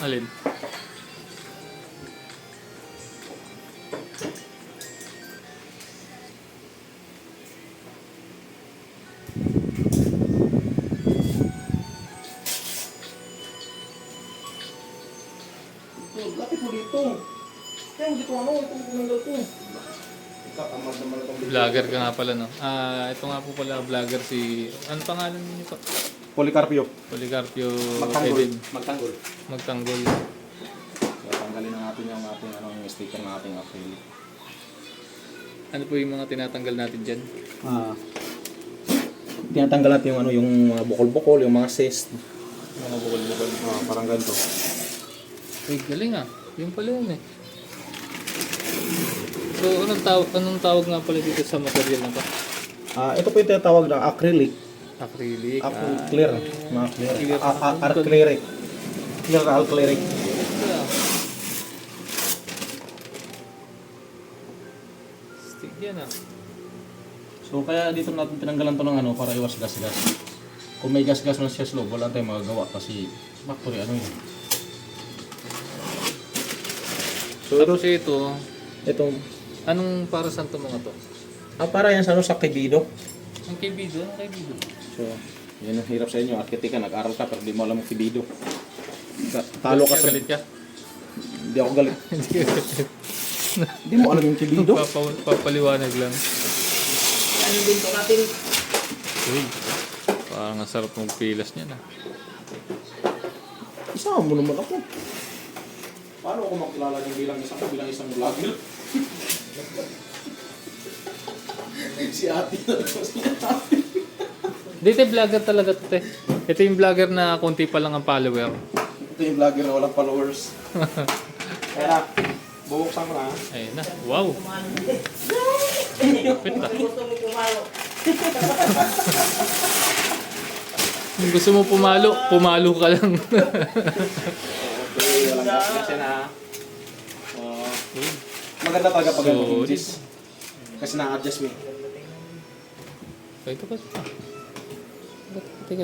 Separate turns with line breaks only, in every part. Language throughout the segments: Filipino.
Alin?
Ito, lapit mo dito. Kaya mo dito ano, itong kumanggal ko. Ikakamad naman itong dito.
Vlogger ka nga pala, no? Ito nga po pala, vlogger si... Ano pangalan niyo pa?
Policarpio.
Policarpio
Magtanggol.
Edin.
Magtanggol.
Magtanggol.
So, tanggalin na natin yung ating yung sticker na ating acrylic.
Ano po yung mga tinatanggal natin dyan?
Tinatanggal natin yung yung mga bukol-bukol, yung mga cyst.
Mga bukol-bukol.
Parang ganito.
Uy, galing ah. Yung pala yun eh. So, anong tawag nga pala dito sa material na to?
Ito po yung tinatawag na acrylic.
Acrylic.
Clear. Mga clear.
Clear.
Acrylic. Clear na acrylic.
Stick yan ah.
So kaya dito natin tinanggalan to ng para iwas gas-gas. Kung may gas-gas man siya sa loob, wala tayong magagawa kasi factory yun. So
Tapos ito, anong para saan to mga to?
para yan sa sa kibido.
Ang kaibido? Ang kaibido?
So, yan ang hirap sa inyo. Arkitek ka, nag-aral ka, pero di mo alam ang kibido. Talo ka sa...
Galit ka?
Hindi ako galit. Hindi mo alam yung kibido.
Papaliwanag lang.
Ano din to natin?
Uy, parang ang sarap mong pilas niya na.
Isama mo naman ako. Paano ako makilala ng bilang isang vlogger? Si ate na ito. Si ate.
Dito vlogger talaga to te. Ito yung vlogger na konti pa lang ang follower.
Ito yung vlogger na walang followers. Kaya na, bubuksan mo na.
Ayun na. Wow. Kapit ah. Kung gusto mo pumalo, pumalo ka lang.
Okay, walang gas yan ha. Maganda talaga pag
So,
hinges. Kasi na-adjust mo.
Ito pa. Teka.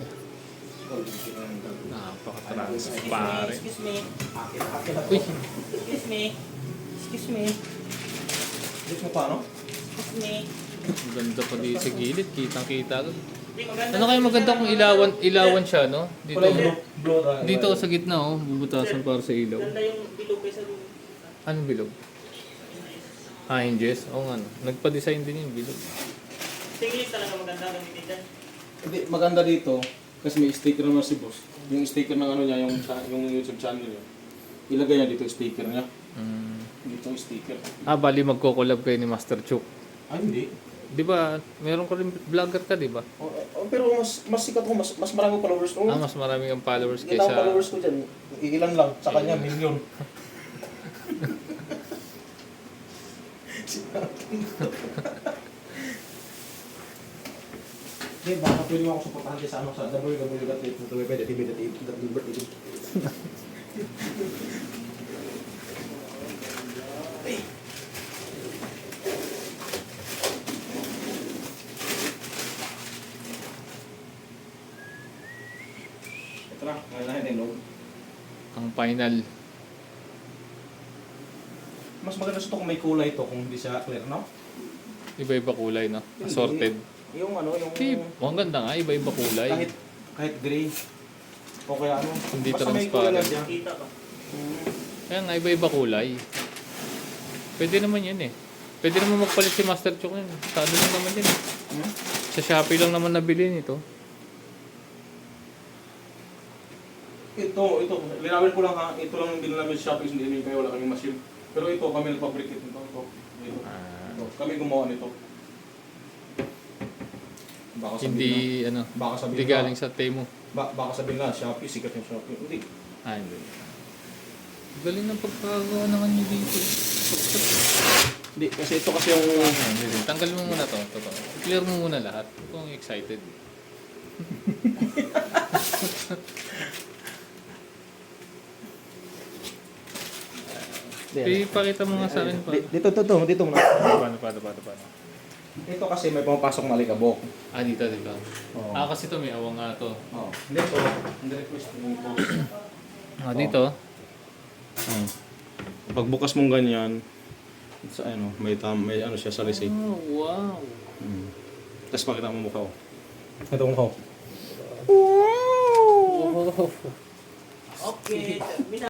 Napaka-trans pare.
Excuse me.
Uy,
Excuse me.
Dito mo paano?
Excuse me.
ang ganda pa dito sa gilid. Kitang-kita.
Hindi maganda.
Ano kaya maganda kung ilawan siya, no? Dito.
Blow tayo.
Dito sa gitna, oh. Bubutasan para sa ilaw.
Ganda yung bilog kaysa dun.
Anong bilog? Hinges? Oo nga, no. Nagpa-design din yung bilog.
Tingin talaga maganda gamitin dyan.
Hindi, maganda dito. Kasi may sticker naman si boss. Yung sticker ng niya, yung YouTube channel niya. Ilagay niya dito yung sticker niya. Dito yung sticker.
Bali magko-collab kayo ni Master Chuk.
Ay, hindi.
Di ba, meron ka rin vlogger ka, di ba?
Pero mas sikat ko, mas marami followers ko.
Mas marami kang followers
Ilang
kaysa...
followers ko dyan. Ilan lang. Sa kanya, milyon. Hindi, baka pwede mo ako supportahan kayo sa www.tv.tv. Ito na, ngayon natin yung loob.
Ang final.
Mas maganda sa ito kung may kulay ito, kung hindi siya clear, no?
Iba-iba kulay, no? Assorted.
Yung yung...
Ang ganda nga, iba-iba kulay.
Kahit gray. O kaya ano.
Hindi
basta may
transparent.
kulay lang siya.
Kita ba?
Kaya nga, iba-iba kulay. Pwede naman yan eh. Pwede naman magpalit si Master Chuk yun. Sa ano lang naman yun eh. Sa Shopee lang naman nabili nito.
Ito, linawin ko lang ha. Ito lang yung binila namin sa Shopee, hindi namin kayo, wala kaming machine. Pero ito, kami nagpabricate nito. Ito. Kami gumawa nito. Baka sabihin
Hindi,
na,
ano,
baka sabihin
hindi galing sa Temu.
baka sabihin na, Shopee, sikat yung Shopee. Hindi.
Hindi. Galing ng pagkagawa naman niyo dito.
Hindi, kasi ito kasi yung...
Hindi. Tanggal mo muna to. Clear mo muna lahat. Kung excited. Ipakita mo nga sa akin pa.
Dito muna.
Paano?
Ito kasi may pumapasok na alikabok.
Dito.
Oo.
Kasi to may awang nga to.
Oo. Hindi ito, ang request mo yung post.
Dito.
Hmm. Pagbukas mong ganyan, sa ano, may ano siya sa receipt.
Oh, wow.
Hmm. Tapos pakita mo mukha ko. Ito mukha ko.
Oh.
Okay.